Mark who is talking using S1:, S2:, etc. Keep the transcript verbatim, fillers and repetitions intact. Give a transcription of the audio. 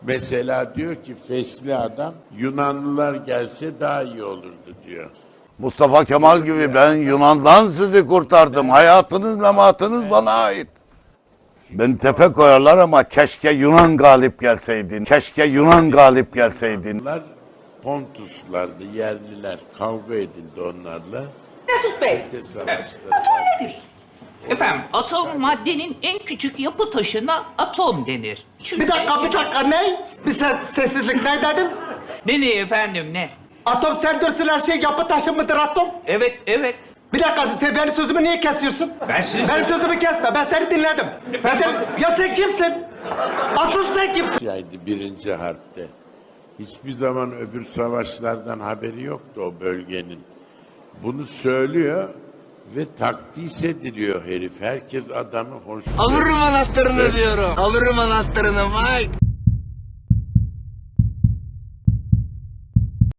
S1: Mesela diyor ki fesli adam, Yunanlılar gelse daha iyi olurdu diyor.
S2: Mustafa Kemal gibi ben Yunan'dan sizi kurtardım. Hayatınız, mematınız bana ait. Beni tepe koyarlar ama keşke Yunan galip gelseydin. Keşke Yunan galip gelseydin.
S1: Bunlar Pontuslardı, yerliler. Kavga edildi onlarla.
S3: Mesut Bey.
S1: İşte savaşları var.
S3: Efendim, atom maddenin en küçük yapı taşına atom denir. Çünkü...
S4: Bir dakika, bir dakika, ne? Bir ses, sessizlik, ne dedin?
S3: Ne ne efendim, ne?
S4: Atom söndürsün her şey yapı taşı mıdır atom?
S3: Evet, evet.
S4: Bir dakika, sen benim sözümü niye kesiyorsun?
S3: Ben sizi-
S4: Benim sözümü kesme, ben seni dinledim. Ben
S3: Efendim,
S4: seni... Ya sen kimsin? Asıl sen kimsin?
S1: Yaydı birinci harpte. Hiçbir zaman öbür savaşlardan haberi yoktu o bölgenin. Bunu söylüyor ve takdis ediliyor herif. Herkes adamı hoş.
S5: Alırım anahtarını diyorum. Alırım anahtarını Mike.